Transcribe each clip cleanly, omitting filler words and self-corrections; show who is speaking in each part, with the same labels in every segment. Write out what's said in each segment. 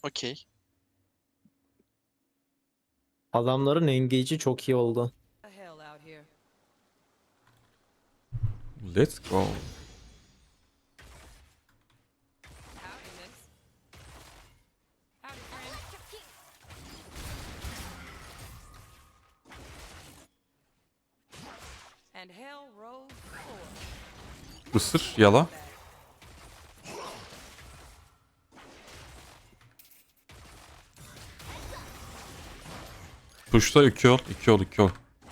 Speaker 1: Okey.
Speaker 2: Adamların engage'i çok iyi oldu.
Speaker 3: The hell out here.
Speaker 4: Let's go.
Speaker 3: Howdy, miss. Howdy, friend. And hell rolled forward.
Speaker 4: Isır, yala. Push'ta 2 ol, 2 ol, 2 ol.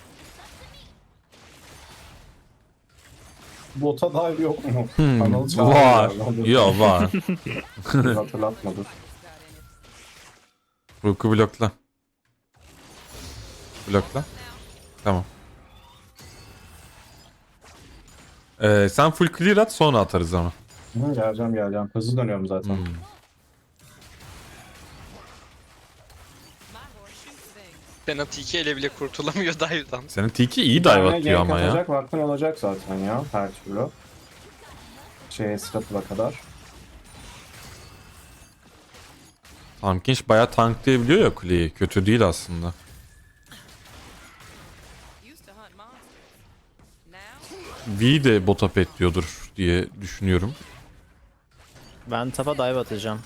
Speaker 5: Bota dive yok mu?
Speaker 4: Hmm,
Speaker 5: Kanalı çağırıyor
Speaker 4: var.
Speaker 5: herhalde.
Speaker 4: Ya var.
Speaker 5: Hatırlatmadı.
Speaker 4: Rook'u blokla. Blokla. Tamam. Sen full clear at, sonra atarız ama.
Speaker 5: Hı, geleceğim. Hızlı dönüyorum zaten.
Speaker 4: Hmm.
Speaker 3: My horse shoots things.
Speaker 1: Penalty 2 ele bile kurtulamıyor dive'dan.
Speaker 4: Senin Tiki iyi
Speaker 5: Bir
Speaker 4: dive
Speaker 5: tane
Speaker 4: atıyor
Speaker 5: gank
Speaker 4: ama ya.
Speaker 5: atacak vaktin olacak zaten ya her türlü. Stratıla kadar.
Speaker 4: Tamkinch bayağı tanklayabiliyor ya kuleyi. Kötü değil aslında.
Speaker 3: Used to hunt monsters. Now,
Speaker 4: V de bota petliyordur diye düşünüyorum.
Speaker 2: Ben tapa dive atacağım.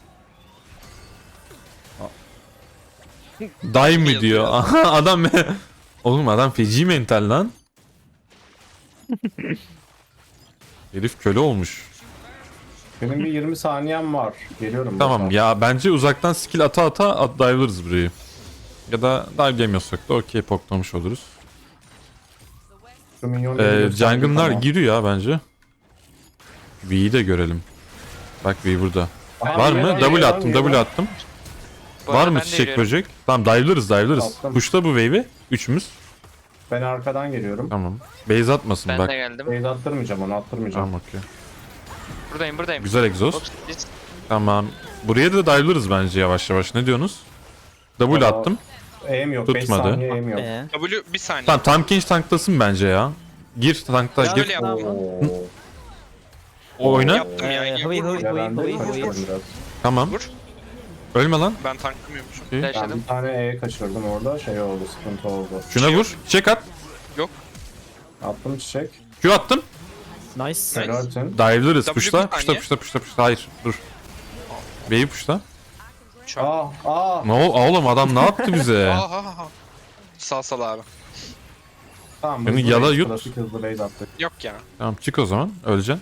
Speaker 4: Dive mi diyor? Aha, adam oğlum adam feci mental lan. Herif köle olmuş.
Speaker 5: Benim bir 20 saniyem var. Geliyorum.
Speaker 4: Tamam
Speaker 5: bota.
Speaker 4: ya, bence uzaktan skill ata dive'larız burayı. Ya da dive'lemiyorsak da okey poklamış oluruz.
Speaker 5: Şu minyonları gösterdim
Speaker 4: Jungle'lar
Speaker 5: ama.
Speaker 4: giriyor ya bence. V'yi de görelim. Bak V burada.
Speaker 5: Aha,
Speaker 4: Var mı?
Speaker 5: geliyor,
Speaker 4: W
Speaker 5: geliyor,
Speaker 4: attım,
Speaker 5: geliyor.
Speaker 4: W attım.
Speaker 6: Bu
Speaker 4: Var
Speaker 6: arada
Speaker 4: mı
Speaker 6: ben de
Speaker 4: çiçek
Speaker 6: yürüyorum.
Speaker 4: böcek? Tamam dive'larız.
Speaker 5: Attım.
Speaker 4: Push'ta bu wave'i. Üçümüz.
Speaker 5: Ben arkadan geliyorum.
Speaker 4: Tamam. Base atmasın
Speaker 6: Ben
Speaker 4: bak.
Speaker 6: de geldim.
Speaker 5: Beyz attırmayacağım onu attırmayacağım.
Speaker 4: Tamam okey.
Speaker 6: Buradayım.
Speaker 4: Güzel egzoz.
Speaker 6: Ops, biz-
Speaker 4: Tamam. Buraya da dive'larız bence yavaş yavaş. Ne diyorsunuz? W
Speaker 5: Aa,
Speaker 4: attım.
Speaker 5: Aim yok. 5
Speaker 4: Tutmadı.
Speaker 5: saniye aim yok.
Speaker 1: W bir saniye.
Speaker 4: Tamam Tamkinch tanklasın bence ya. Gir tankla
Speaker 1: Şöyle
Speaker 4: gir.
Speaker 1: yaptım.
Speaker 5: Oo.
Speaker 4: Oyna.
Speaker 1: Yaptım ya.
Speaker 5: Ya ben de kaçırdım biraz.
Speaker 4: Tamam.
Speaker 1: Vur.
Speaker 4: Ölme lan.
Speaker 1: Ben tanklamıyormuşum.
Speaker 4: Okey.
Speaker 5: Ben
Speaker 6: Flash'ladım.
Speaker 5: bir tane E kaçırdım orada. Şey oldu, sıkıntı oldu.
Speaker 4: Şuna vur. Çek at.
Speaker 1: Yok.
Speaker 5: Attım çiçek.
Speaker 4: Q attım.
Speaker 2: Nice.
Speaker 5: Helalsin.
Speaker 4: Dive'larız.
Speaker 1: W
Speaker 4: Push'ta.
Speaker 1: bir saniye.
Speaker 4: Push'ta. Hayır. Dur. B'yi push'ta.
Speaker 5: Aa.
Speaker 4: Ne oğlum adam ne yaptı bize?
Speaker 1: Aha. Sal abi.
Speaker 5: Tamam.
Speaker 4: Beni
Speaker 5: hızlı
Speaker 4: yala
Speaker 5: base,
Speaker 4: yut.
Speaker 5: Klasik hızlı base attık.
Speaker 1: Yok ya.
Speaker 4: Tamam çık o zaman. Öleceksin.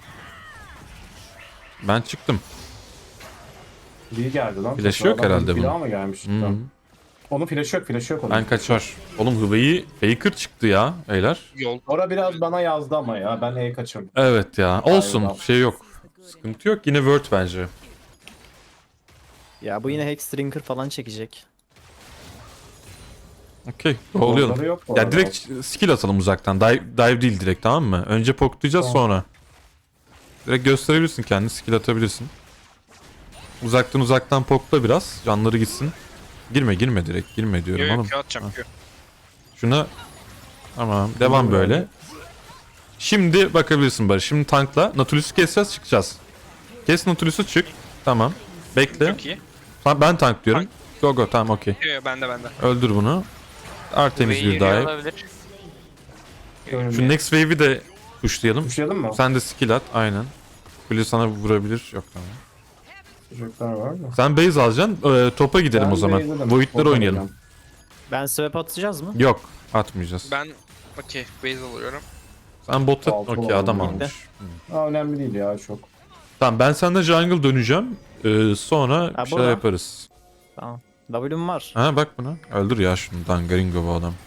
Speaker 4: Ben çıktım.
Speaker 5: İyi geldi lan.
Speaker 4: Flash yok
Speaker 5: Adam
Speaker 4: herhalde
Speaker 5: bir daha
Speaker 4: bunun.
Speaker 5: mı gelmiş?
Speaker 4: Hı -hı.
Speaker 5: Onun flash yok onun.
Speaker 4: Ben kaçar. Oğlum Hıvayı Faker çıktı ya beyler.
Speaker 1: Yol.
Speaker 5: Ora biraz bana yazdı ama ya. Ben E kaçırdım.
Speaker 4: Evet ya. Olsun.
Speaker 5: Aynen.
Speaker 4: Şey yok. Sıkıntı yok. Yine Word bence.
Speaker 2: Ya bu yine Hexdrinker falan çekecek.
Speaker 4: Okey. Oluyorum.
Speaker 5: Orada yok bu
Speaker 4: Ya
Speaker 5: arada.
Speaker 4: direkt skill atalım uzaktan. Dive değil direkt, tamam mı? Önce poklayacağız
Speaker 5: Tamam.
Speaker 4: sonra. Direkt gösterebilirsin kendini. Skill atabilirsin. Uzaktan pokla biraz. Canları gitsin. Girme direkt. Girme diyorum
Speaker 1: Yok
Speaker 4: oğlum.
Speaker 1: Q atacağım Q.
Speaker 4: Şuna tamam. Devam böyle. Şimdi bakabilirsin Barış. Şimdi tankla. Nautilus'u keseceğiz, çıkacağız. Kes Nautilus'u, çık. Tamam. Bekle.
Speaker 1: Çok iyi.
Speaker 4: Tamam, ben tank diyorum. Go tamam okey.
Speaker 1: Yok bende.
Speaker 4: Öldür bunu. Artemis
Speaker 6: Ve
Speaker 4: bir
Speaker 6: yürüyor
Speaker 4: dive.
Speaker 6: olabilir.
Speaker 4: Şu next wave'i de pushlayalım.
Speaker 5: Tuşlayalım mı?
Speaker 4: Sen de skill at aynen. Kule sana vurabilir. Yok tamam.
Speaker 5: Çocuklar var mı?
Speaker 4: Sen base alacaksın. Topa gidelim
Speaker 5: Ben
Speaker 4: o zaman.
Speaker 5: base'ledim.
Speaker 4: Void'leri
Speaker 5: Bota
Speaker 4: oynayalım.
Speaker 5: gideceğim.
Speaker 2: Ben swap atacağız mı?
Speaker 4: Yok atmayacağız.
Speaker 1: Ben okey base alıyorum.
Speaker 4: Sen bota
Speaker 5: Altı
Speaker 4: okey adam
Speaker 5: olalım.
Speaker 4: almış.
Speaker 5: Aa, önemli değil ya çok.
Speaker 4: Tamam ben senden jungle döneceğim. Sonra
Speaker 2: Ha,
Speaker 4: bir şeyler
Speaker 2: burada.
Speaker 4: yaparız.
Speaker 2: Tamam. W'm var.
Speaker 4: Ha bak buna. Öldür ya şunu. Dangaringo bu adam.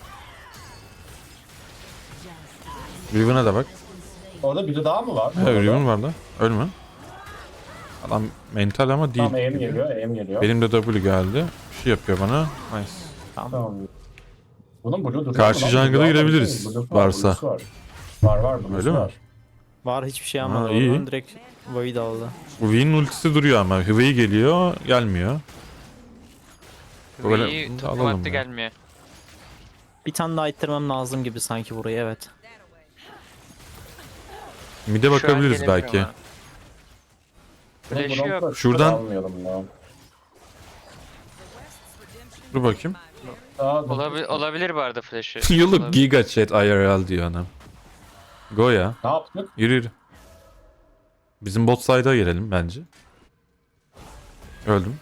Speaker 4: Riven'a da bak.
Speaker 5: Orada biri daha mı var?
Speaker 4: Evet Riven var da. Ölme. Adam mental ama değil.
Speaker 5: Tamam aim
Speaker 4: gibi.
Speaker 5: geliyor, aim geliyor.
Speaker 4: Benim de W geldi. Bir şey yapıyor bana. Nice.
Speaker 5: Tamam. Bunun blue duruyor
Speaker 4: Karşı
Speaker 5: mu lan?
Speaker 4: jungle'a
Speaker 5: Blue
Speaker 4: girebiliriz,
Speaker 5: var,
Speaker 4: varsa.
Speaker 5: blue'su var. Var. blue'su
Speaker 4: Öyle mi?
Speaker 5: var.
Speaker 2: Var, hiçbir şey
Speaker 4: Ha,
Speaker 2: almadı.
Speaker 4: iyi.
Speaker 2: Oradan direkt Void aldı.
Speaker 4: Bu V'nin ultisi duruyor ama. Hıvayı geliyor. Gelmiyor. Böyle
Speaker 6: Ve
Speaker 4: alalım
Speaker 6: topu attı
Speaker 4: ya.
Speaker 6: gelmiyor.
Speaker 2: Bir tane daha ittirmem lazım gibi sanki burayı, evet.
Speaker 4: Mid'e
Speaker 6: Şu an
Speaker 4: bakabiliriz
Speaker 6: gelemiyor
Speaker 4: belki.
Speaker 6: ama.
Speaker 5: Bunun
Speaker 6: Flash'ı
Speaker 5: bronzları
Speaker 6: yok.
Speaker 4: Şuradan-
Speaker 5: almayalım ya.
Speaker 4: Dur bakayım.
Speaker 6: Olabilir bu arada flash'ı.
Speaker 4: You look
Speaker 6: Olabilir.
Speaker 4: giga chat IRL diyor anam. Go ya.
Speaker 5: Ne yaptık?
Speaker 4: Yürü yürü. Bizim bot side'a girelim bence. Öldüm.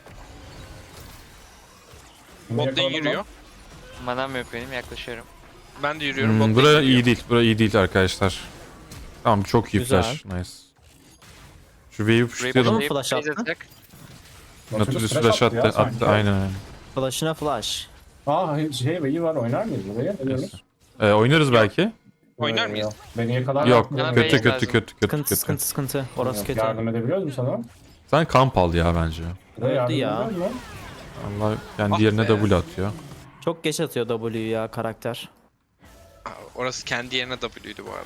Speaker 5: Bunu
Speaker 1: Bot lane
Speaker 5: yakaladım
Speaker 1: yürüyor.
Speaker 5: lan.
Speaker 6: Manam yok benim, yaklaşıyorum.
Speaker 1: Ben de yürüyorum. Bot lane
Speaker 4: Buraya
Speaker 1: yürüyor.
Speaker 4: iyi değil. Buraya iyi değil arkadaşlar. Tamam çok iyi
Speaker 2: Güzel.
Speaker 4: flash. Nice. Şu wave'i
Speaker 6: Burayı
Speaker 4: pushlayalım.
Speaker 2: Buraya- flash attı.
Speaker 6: atacak.
Speaker 4: Nautilus flash attı.
Speaker 5: ya sanki.
Speaker 4: Attı aynen aynen.
Speaker 2: Flash'ına flash.
Speaker 5: İyi var, oynar mıyız buraya? Ne diyorsunuz?
Speaker 4: Oynarız belki.
Speaker 1: Oynar mıyız?
Speaker 5: Beni yakalar.
Speaker 4: Yok
Speaker 6: Bana
Speaker 4: kötü
Speaker 6: base
Speaker 4: kötü
Speaker 6: lazım.
Speaker 4: kötü kötü
Speaker 2: Sıkıntı
Speaker 4: kötü.
Speaker 2: sıkıntı sıkıntı. Orası kötü.
Speaker 5: Yardım edebiliyor musun sana?
Speaker 4: Sen kamp al ya bence.
Speaker 5: Buraya yardım
Speaker 2: ya.
Speaker 5: edebiliyor musun?
Speaker 4: Allah kendi
Speaker 1: Ah
Speaker 4: yerine
Speaker 1: be.
Speaker 4: double atıyor.
Speaker 2: Çok geç atıyor W'yu ya karakter.
Speaker 1: Aa, orası kendi yerine W'ydu bu arada.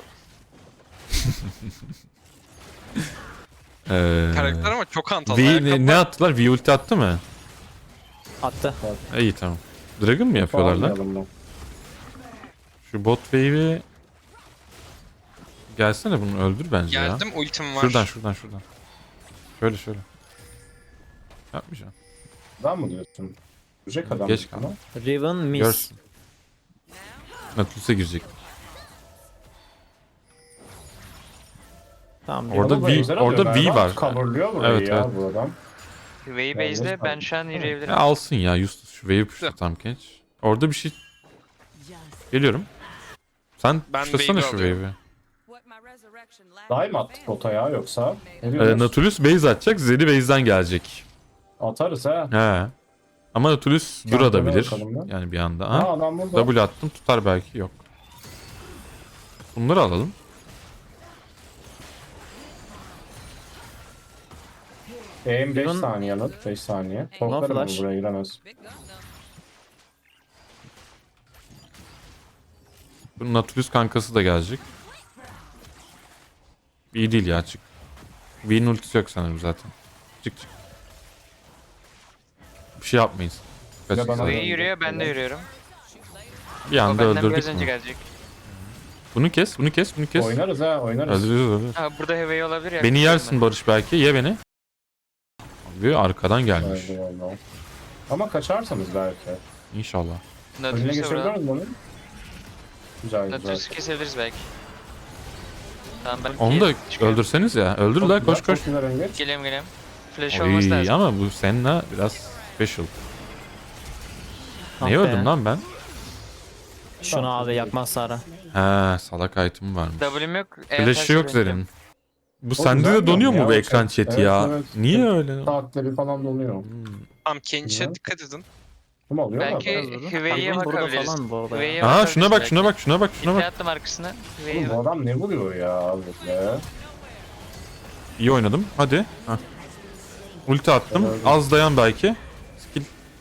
Speaker 1: Karakter ama çok hantal.
Speaker 4: Ne attılar? V ulti attı mı?
Speaker 2: Attı.
Speaker 4: İyi tamam. Dragon mı yapıyorlar lan?
Speaker 5: Almayalım mı?
Speaker 4: Şu bot wave'i gelsene bunu öldür bence ya.
Speaker 1: Geldim, ultim var.
Speaker 4: Şuradan. Şöyle. Yapmayacağım.
Speaker 5: Ben mi diyorsun? Görecek adam.
Speaker 4: Geç
Speaker 5: ama.
Speaker 4: kalma.
Speaker 2: Riven miss.
Speaker 4: Görsün. Nautilus'a girecek.
Speaker 2: Tamam.
Speaker 4: Orada
Speaker 5: Ama
Speaker 4: V-
Speaker 5: benzer
Speaker 4: orada
Speaker 5: alıyor
Speaker 4: V
Speaker 5: galiba.
Speaker 4: var.
Speaker 5: Coverlıyor burayı
Speaker 4: Evet,
Speaker 5: ya
Speaker 4: evet.
Speaker 5: bu adam.
Speaker 6: Way
Speaker 5: Ben
Speaker 6: base'de
Speaker 5: de-
Speaker 6: ben şu an yürüyebilirim.
Speaker 4: Alsın ya Justus şu wave'i pushla tam genç. Orada bir şey... Geliyorum. Sen
Speaker 1: Ben
Speaker 4: pushlasana şu
Speaker 1: wave'i
Speaker 4: wave'i.
Speaker 3: What my resurrection lacked
Speaker 5: Dahi mi
Speaker 3: in
Speaker 5: attık
Speaker 3: advance.
Speaker 5: bota ya yoksa? Ne diyorsun?
Speaker 4: Nautilus base atacak, Zeri base'den gelecek.
Speaker 5: Atarız ha.
Speaker 4: He. Ama Nautilus
Speaker 5: Tamam,
Speaker 4: durabilir.
Speaker 5: bakalım lan.
Speaker 4: Yani bir anda.
Speaker 5: Ha
Speaker 4: Ha?
Speaker 5: adam burada.
Speaker 4: W attım tutar belki yok. Bunları alalım.
Speaker 5: Aim 5
Speaker 2: Bunun-
Speaker 5: saniye yanıt. 5 saniye. Korkarım
Speaker 2: flash.
Speaker 5: ben buraya giremez.
Speaker 3: Big gun though.
Speaker 4: Bunun Nautilus kankası da gelecek. İyi değil ya çık. V'nin ultisi yok sanırım zaten. Çık. Bir şey yapmayız. Kaç
Speaker 5: Ya bana-
Speaker 4: güzel.
Speaker 6: Way yürüyor, ben de yürüyorum.
Speaker 4: Bir
Speaker 6: O
Speaker 4: anda
Speaker 6: benden biraz
Speaker 4: öldürdük
Speaker 6: önce
Speaker 4: mü?
Speaker 6: gelecek.
Speaker 4: Bunu kes.
Speaker 5: Oynarız ha oynarız.
Speaker 4: Öldürürüz.
Speaker 6: Ha, burada heavy olabilir ya.
Speaker 4: Beni yersin Barış belki. Ye beni. Abi arkadan gelmiş.
Speaker 5: Haydi Allah. Ama kaçarsanız belki.
Speaker 4: İnşallah.
Speaker 5: Önüne
Speaker 6: Nautilus'a
Speaker 5: geçebiliyor
Speaker 6: vuralım.
Speaker 5: musun bunu? Güzel güzel.
Speaker 6: Nautilus'u kesebiliriz belki. Tamam ben
Speaker 4: Onu da
Speaker 6: çıkıyorum.
Speaker 4: öldürseniz ya. Öldür la koş koş.
Speaker 5: Çok güzel öngeç.
Speaker 6: Geliyorum. Flash olması
Speaker 4: Oy,
Speaker 6: lazım.
Speaker 4: ama bu Senna biraz special.
Speaker 2: Ah
Speaker 4: Niye
Speaker 2: be.
Speaker 4: öldüm lan ben?
Speaker 2: Şunu abi yakmaz Sara.
Speaker 4: He salak item varmış.
Speaker 6: W'm yok.
Speaker 4: Flash'ı yok Zer'in. Bu
Speaker 5: O
Speaker 4: sende
Speaker 5: güzel
Speaker 4: de donuyor
Speaker 5: ya,
Speaker 4: mu bu
Speaker 5: o
Speaker 4: ekran
Speaker 5: chat.
Speaker 4: chat'i
Speaker 5: Evet,
Speaker 4: ya?
Speaker 5: evet.
Speaker 4: Niye öyle?
Speaker 5: Saatleri falan donuyor.
Speaker 1: Tamam, Kench'e
Speaker 5: Güzel.
Speaker 1: dikkat edin.
Speaker 5: Kim alıyor
Speaker 6: Belki
Speaker 5: mu?
Speaker 6: Hüvey'e
Speaker 2: Riven burada
Speaker 6: bakabiliriz.
Speaker 2: falan bu arada.
Speaker 6: Hüvey'e
Speaker 4: Aa
Speaker 6: bakabiliriz
Speaker 4: şuna bak
Speaker 6: belki.
Speaker 4: şuna bak.
Speaker 6: İpne attım arkasına. Hüvey'e
Speaker 5: Oğlum bu
Speaker 6: bak.
Speaker 5: adam ne vuruyor ya böyle?
Speaker 4: İyi oynadım. Hadi. Heh. Ulti attım.
Speaker 5: Evet.
Speaker 4: Az dayan belki. Skill.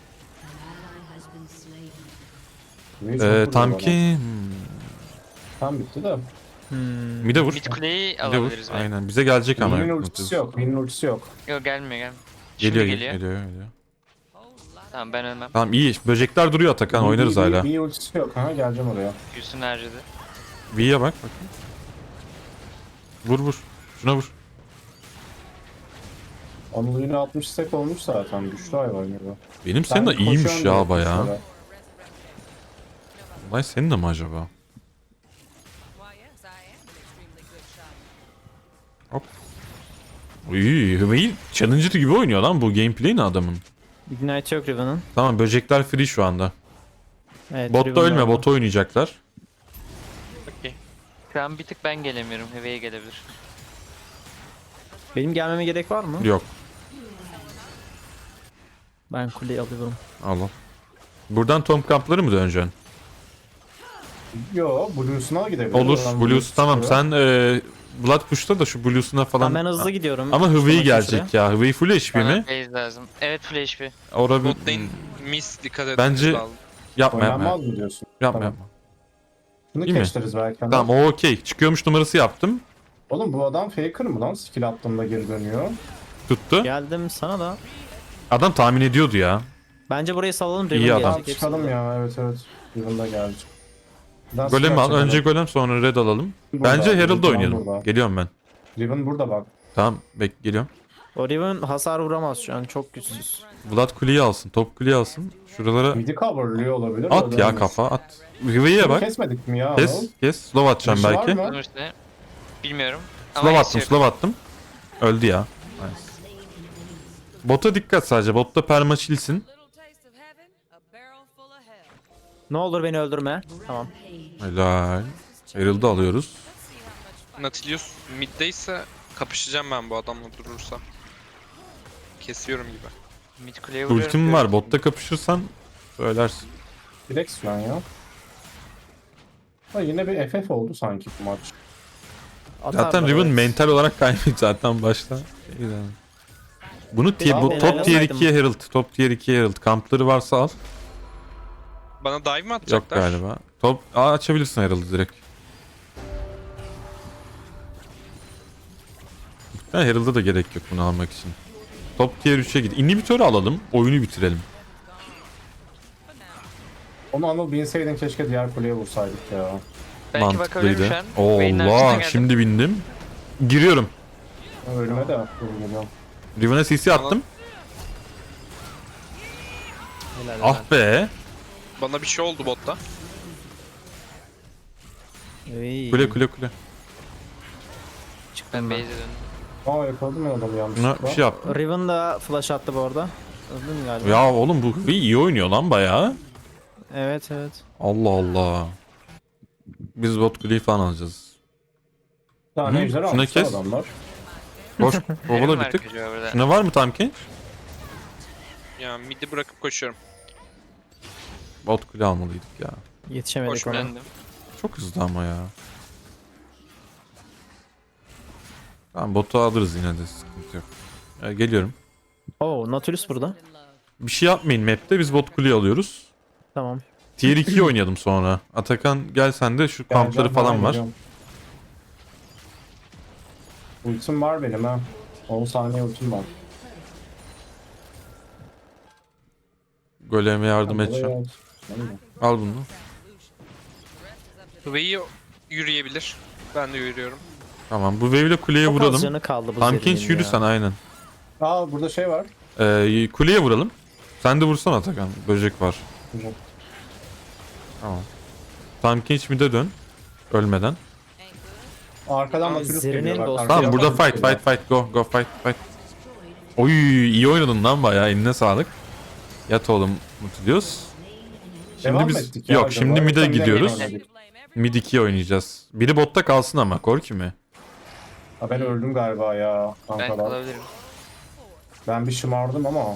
Speaker 4: Tam ki.
Speaker 5: Tam bitti de.
Speaker 4: Mide vur.
Speaker 6: Mid kuleyi
Speaker 4: Mide vur.
Speaker 6: alabiliriz belki.
Speaker 4: Aynen. Bize gelecek ama.
Speaker 5: Win'in ultisi yok. Win'in ultisi yok.
Speaker 6: Yok gelmiyor. Şimdi
Speaker 4: Geliyor.
Speaker 6: geliyor. Tamam ben ölmem.
Speaker 4: Tamam iyi. Böcekler duruyor Atakan. Oynarız hala.
Speaker 5: Win'in ultisi yok. Ha geleceğim oraya.
Speaker 6: Q'sunu harcadı.
Speaker 4: V'ye bak bakayım. Vur. Şuna vur.
Speaker 5: Anıl yine 60 stack olmuş zaten. Güçlü hayvan gibi.
Speaker 4: Benim senin de
Speaker 5: Ben
Speaker 4: iyiymiş
Speaker 5: koşuyorum
Speaker 4: ya
Speaker 5: direkt
Speaker 4: bayağı.
Speaker 5: kuşlara.
Speaker 4: Olay senin de mi acaba?
Speaker 3: Why, yes, I am an extremely good shot.
Speaker 4: İyi. Hümeyi Challenger gibi oynuyor lan bu gameplay ne adamın.
Speaker 2: Ignite yok Riven'ın.
Speaker 4: Tamam böcekler free şu anda.
Speaker 2: Evet,
Speaker 4: Botta
Speaker 2: Riven
Speaker 4: ölme
Speaker 2: orada.
Speaker 4: bota oynayacaklar.
Speaker 1: Okey.
Speaker 6: Şu an bir tık ben gelemiyorum. Heavy'e gelebilir.
Speaker 2: Benim gelmeme gerek var mı?
Speaker 4: Yok.
Speaker 2: Ben kuleyi alıyorum.
Speaker 4: Allah. Buradan Tom kampları mı döneceksin?
Speaker 5: Yo, Blues'una gidebilir.
Speaker 4: Olur.
Speaker 5: Oradan
Speaker 4: Blues tamam
Speaker 5: çıkıyor.
Speaker 4: sen Blood Push'ta da şu Blues'una falan.
Speaker 2: Tamam, ben hızlı gidiyorum.
Speaker 4: Ama Hüveyi
Speaker 2: Sonraki
Speaker 4: gelecek
Speaker 2: süre.
Speaker 4: ya. Hüveyi full HP
Speaker 6: Bana
Speaker 4: mi?
Speaker 6: base lazım. Evet full HP.
Speaker 4: Orada
Speaker 1: Bot lane miss, dikkat edin.
Speaker 4: Bence-
Speaker 1: lazım.
Speaker 4: yapma.
Speaker 5: Oynanmaz mı diyorsun?
Speaker 4: Yapma.
Speaker 5: Tamam. Bunu
Speaker 4: İyi mi?
Speaker 5: keşleriz belki.
Speaker 4: Tamam o okey. Çıkıyormuş numarası yaptım.
Speaker 5: Oğlum bu adam faker mı lan? Skill attığımda geri dönüyor.
Speaker 4: Tuttu.
Speaker 2: Geldim sana da.
Speaker 4: Adam tahmin ediyordu ya.
Speaker 2: Bence burayı salalım.
Speaker 4: İyi
Speaker 2: Riven
Speaker 4: adam.
Speaker 2: gelecek,
Speaker 5: Tamam çıkalım
Speaker 2: hepsi.
Speaker 5: ya. Evet. Yılında geldi.
Speaker 4: Golem al. Önce golem sonra red alalım.
Speaker 5: Burada,
Speaker 4: Bence Herald'da
Speaker 5: Riven
Speaker 4: oynayalım.
Speaker 5: burada.
Speaker 4: Geliyorum ben.
Speaker 5: Riven burada bak.
Speaker 4: Tamam geliyorum.
Speaker 2: O Riven hasar vuramaz şu an, çok güçsüz.
Speaker 4: Vlad kuleyi alsın. Top kuleyi alsın. Şuralara
Speaker 5: Midi coverlıyor olabilir.
Speaker 4: at
Speaker 5: öyle
Speaker 4: ya
Speaker 5: olmaz.
Speaker 4: kafa at. Riven'e bak.
Speaker 5: Kesmedik mi ya?
Speaker 4: Kes. Kes. Slow atacağım
Speaker 5: Flash'ı var
Speaker 4: belki.
Speaker 5: mı?
Speaker 6: Bunun üstüne. Bilmiyorum.
Speaker 4: Slow attım.
Speaker 6: kesiyor.
Speaker 4: Slow attım. Öldü ya. Nice. Bota dikkat sadece. Botta permaşilsin.
Speaker 3: Little taste of heaven, a barrel full of hell.
Speaker 2: Ne olur beni öldürme. Tamam.
Speaker 4: Helal. Herald'ı alıyoruz.
Speaker 3: Let's see how much
Speaker 1: Nautilus middeyse kapışacağım ben bu adamla durursa. Kesiyorum gibi.
Speaker 6: Mid kuleye vuruyorum.
Speaker 4: Ultim var. Botta kapışırsan söylersin.
Speaker 5: Direkt şu an ya. Ha, yine bir FF oldu sanki bu maç.
Speaker 2: Atarlar,
Speaker 4: Zaten Riven
Speaker 2: evet.
Speaker 4: mental olarak kaybetti zaten başta. Bunu tier, bu
Speaker 2: Ben
Speaker 4: top tier
Speaker 2: oynasaydım.
Speaker 4: 2'ye Herald. Top tier 2'ye Herald. Kampları varsa al.
Speaker 1: Bana dive mi
Speaker 4: Yok
Speaker 1: atacaklar?
Speaker 4: galiba. Top açabilirsin Herald'ı direkt. Yani Herald'a da gerek yok bunu almak için. Top tier 3'e git. Inhibitörü alalım. Oyunu bitirelim.
Speaker 5: Onu Anıl binseydin keşke diğer kuleye vursaydık ya.
Speaker 6: Belki bakabilirim
Speaker 4: Mantıklıydı.
Speaker 6: şu an. Vayne'in arkasından
Speaker 4: Allah
Speaker 6: geldim.
Speaker 4: şimdi bindim. Giriyorum.
Speaker 5: Ölüme de vurmuyorum.
Speaker 4: Riven'a CC attım.
Speaker 2: Helal,
Speaker 4: Ah be.
Speaker 1: Bana bir şey oldu botta.
Speaker 2: helal. İyi.
Speaker 4: Kule kule kule.
Speaker 2: Çıktım
Speaker 6: Ben
Speaker 2: ben.
Speaker 6: base'e döndüm.
Speaker 5: Aa yakaladım ya adamı
Speaker 4: Buna
Speaker 5: yanlışlıkla.
Speaker 4: bir şey yaptım.
Speaker 2: Riven da flash attı bu arada. Öldün mü galiba?
Speaker 4: Ya oğlum bu iyi oynuyor lan bayağı.
Speaker 2: Evet evet.
Speaker 4: Allah Allah. Biz bot kuleyi falan alacağız.
Speaker 5: Bir tane
Speaker 4: Hı,
Speaker 5: ejder
Speaker 4: şuna
Speaker 5: almışlar
Speaker 4: kes.
Speaker 5: adamlar.
Speaker 4: Koş
Speaker 6: Elim
Speaker 4: kovala
Speaker 6: var
Speaker 4: bir tık.
Speaker 6: çocuğa burada.
Speaker 4: Şuna var mı Tamkin?
Speaker 1: Ya midi bırakıp koşuyorum.
Speaker 4: Bot kule almalıydık ya.
Speaker 2: Yetişemedik
Speaker 1: Hoş
Speaker 2: ona.
Speaker 6: Döndüm.
Speaker 4: Çok hızlı ama ya. Tamam botu alırız yine de sıkıntı yok. Ya, geliyorum.
Speaker 2: Oo, Nautilus burada.
Speaker 3: in love.
Speaker 4: Bir şey yapmayın map'te biz bot kuleyi alıyoruz.
Speaker 2: Tamam.
Speaker 4: Tier 2'yi oynayalım sonra. Atakan gel sen de şu kampları
Speaker 5: Geleceğim,
Speaker 4: falan
Speaker 5: hemen
Speaker 4: var.
Speaker 5: geliyorum. Ultim var benim ha. 10 saniye ultim var.
Speaker 4: Goleme yardım
Speaker 5: Buraya
Speaker 4: edeceğim.
Speaker 5: gel. Tamam mı?
Speaker 4: Al bunu.
Speaker 1: Vay'i yürüyebilir. Ben de yürüyorum.
Speaker 4: Tamam bu wave'le kuleye
Speaker 2: Çok az
Speaker 4: vuralım.
Speaker 2: canı kaldı bu
Speaker 4: Tamkin
Speaker 2: Zeri'nin
Speaker 4: yürü
Speaker 2: ya.
Speaker 4: sen aynen.
Speaker 5: Aa burada şey var.
Speaker 4: Kuleye vuralım. Sen de vursana Atakan. Böcek var.
Speaker 5: Güzel.
Speaker 4: Tamam. Tamkin hiç mid'e dön. Ölmeden.
Speaker 5: Arkadan
Speaker 1: Aa,
Speaker 5: Nautilus
Speaker 2: Zeri'nin
Speaker 5: geliyor bak,
Speaker 2: dostu.
Speaker 5: arkadan
Speaker 4: Tamam burada
Speaker 5: Nautilus
Speaker 4: fight
Speaker 5: geliyor.
Speaker 4: fight fight go go fight fight. Oy iyi oynadın lan bayağı eline sağlık. Yat oğlum Nautilus. Şimdi
Speaker 5: Devam
Speaker 4: biz
Speaker 5: ettik ya
Speaker 4: yok
Speaker 5: acaba?
Speaker 4: şimdi mid'e
Speaker 5: Yoksa mid'e
Speaker 4: gidiyoruz.
Speaker 5: mi oynadık?
Speaker 4: Mid 2'ye oynayacağız. Biri botta kalsın ama Korki mi?
Speaker 5: Ha, ben öldüm galiba ya
Speaker 6: Ben
Speaker 5: kankalar.
Speaker 6: kalabilirim.
Speaker 5: Ben bir şımardım ama.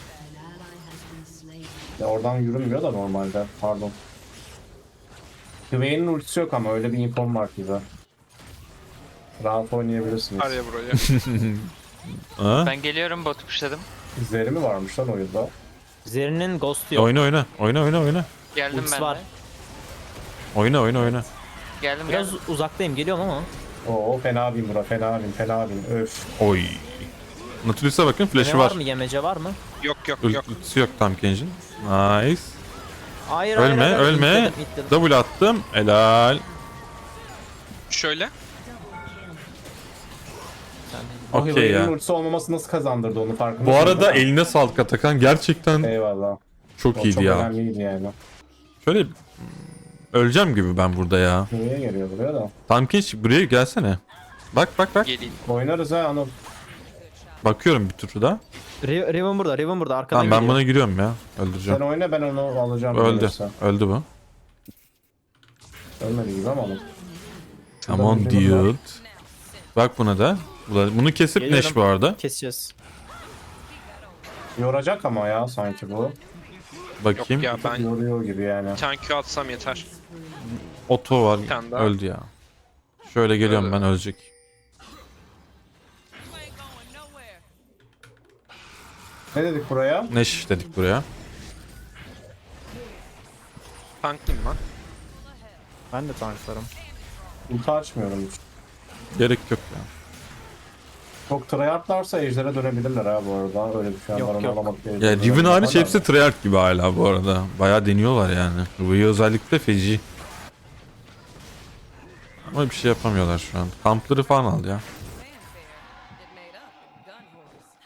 Speaker 5: Ya oradan yürümüyor da normalde. Pardon. Hüveyin'in ultisi yok ama öyle bir infom var ki de. Rahat oynayabilirsiniz.
Speaker 1: Var ya buraya.
Speaker 4: Ha?
Speaker 6: Ben geliyorum botu pushladım.
Speaker 5: İzleri mi varmış lan oyunda?
Speaker 2: Zeri'nin ghost'u yok.
Speaker 4: Oyna oyna. Oyna oyna oyna.
Speaker 6: Geldim
Speaker 2: Ultisi
Speaker 6: ben
Speaker 2: var.
Speaker 6: de.
Speaker 4: Oyna oyna oyna.
Speaker 6: Geldim
Speaker 2: Biraz
Speaker 6: geldim.
Speaker 2: uzaktayım, geliyorum ama.
Speaker 5: Oo fena bin bura fena bin fena bin öf.
Speaker 4: Oy. Nautilus'a bakın flash'ı
Speaker 2: Ne
Speaker 4: var.
Speaker 2: var mı, yemece var mı?
Speaker 1: Yok yok yok.
Speaker 4: Ultisi yok Tamkin'cin. Nice.
Speaker 2: Hayır
Speaker 4: Ölme
Speaker 2: hayır,
Speaker 4: ölme.
Speaker 2: itledim, itledim.
Speaker 4: Double attım. Helal.
Speaker 1: Şöyle.
Speaker 5: O
Speaker 4: Okey
Speaker 5: Hüveyin'in
Speaker 4: ya.
Speaker 5: ultisi olmaması nasıl kazandırdı onu farkında
Speaker 4: Bu
Speaker 5: mısın
Speaker 4: arada
Speaker 5: değil mi?
Speaker 4: eline sağlık Atakan. Gerçekten
Speaker 5: Eyvallah.
Speaker 4: çok
Speaker 5: O
Speaker 4: iyiydi
Speaker 5: çok
Speaker 4: ya.
Speaker 5: önemliydi yani.
Speaker 4: Şöyle öleceğim gibi ben burada ya.
Speaker 5: Niye geliyor buraya da?
Speaker 4: Tamkin buraya gelsene. Bak bak bak.
Speaker 1: Geleyim.
Speaker 5: Oynarız ha Anıl.
Speaker 4: Bakıyorum bir tur daha.
Speaker 2: Riven burada, Riven burada. Arkadan
Speaker 4: Tamam ben
Speaker 2: geliyor.
Speaker 4: buna giriyorum ya.
Speaker 5: Sen
Speaker 4: Öldüreceğim.
Speaker 5: oyna ben onu alacağım.
Speaker 4: Öldü.
Speaker 5: gelirse.
Speaker 4: Öldü bu.
Speaker 5: Ölmedi gibi ama Anıl.
Speaker 4: Come on
Speaker 5: bir Riven var.
Speaker 4: dude. Bak buna da. Bunu kesip
Speaker 2: Geliyorum.
Speaker 4: Neş bu arada.
Speaker 2: Keseceğiz.
Speaker 5: Yoracak ama ya sanki bu.
Speaker 4: Bakayım.
Speaker 1: Yok ya ben
Speaker 5: Yoruyor gibi yani.
Speaker 1: bir tane Q atsam yeter.
Speaker 4: Oto var.
Speaker 1: tane daha.
Speaker 4: Öldü ya. Şöyle geliyorum ben ölecek.
Speaker 3: You ain't going nowhere.
Speaker 5: Ne dedik buraya?
Speaker 4: Neş dedik buraya.
Speaker 1: Tanklayayım ben.
Speaker 2: Ben de tanklarım.
Speaker 5: Ulti açmıyorum hiç.
Speaker 4: Gerek yok ya.
Speaker 5: Çok tryhardlarsa ejder'e dönebilirler ha bu arada. Öyle bir şey
Speaker 2: Yok,
Speaker 5: var,
Speaker 2: yok.
Speaker 5: alamadık diye
Speaker 4: Ya
Speaker 5: ejder'e
Speaker 4: Riven
Speaker 5: dönebilirler
Speaker 4: hariç
Speaker 5: de.
Speaker 4: hepsi tryhard gibi hala bu arada. Bayağı deniyorlar yani. Ruby'yi özellikle feci. Ama bir şey yapamıyorlar şu an. Kampları falan al ya.
Speaker 3: Fanfare. It made up in gun horse.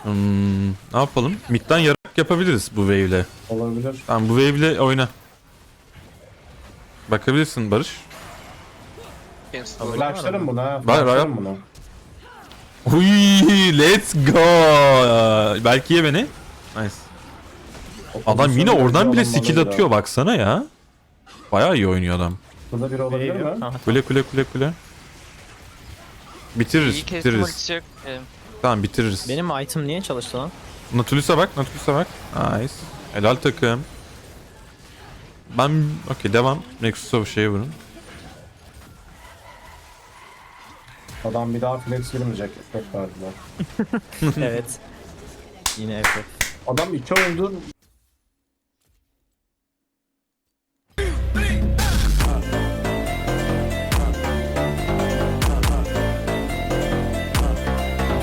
Speaker 4: Ne yapalım? Mid'den yarak yapabiliriz bu wave'le.
Speaker 5: Olabilir.
Speaker 4: Tamam bu wave'le oyna. Bakabilirsin Barış.
Speaker 1: Cancel'ladım.
Speaker 5: Flashlarım buna.
Speaker 4: Var,
Speaker 5: Flashlarım buna.
Speaker 4: Uy, let's go. Belki ye beni. Nice. Adam yine oradan bile skill atıyor baksana ya. Bayağı iyi oynuyor adam.
Speaker 5: Burada biri olabilir mi?
Speaker 2: Aha,
Speaker 4: Kule kule kule kule. Bitiririz,
Speaker 6: İyi kestim
Speaker 4: bitiririz.
Speaker 6: ultisi yok.
Speaker 4: Tamam bitiririz.
Speaker 2: benim item niye çalıştı lan?
Speaker 4: Nautilus'a bak, Nautilus'a bak. Nice. Helal takım. Ben okey devam. Nexus'a bir şeye vurun.
Speaker 5: Adam bir daha flex girmeyecek. Çok verdiler.
Speaker 2: Evet. Yine FF.
Speaker 5: Adam 2 oyundur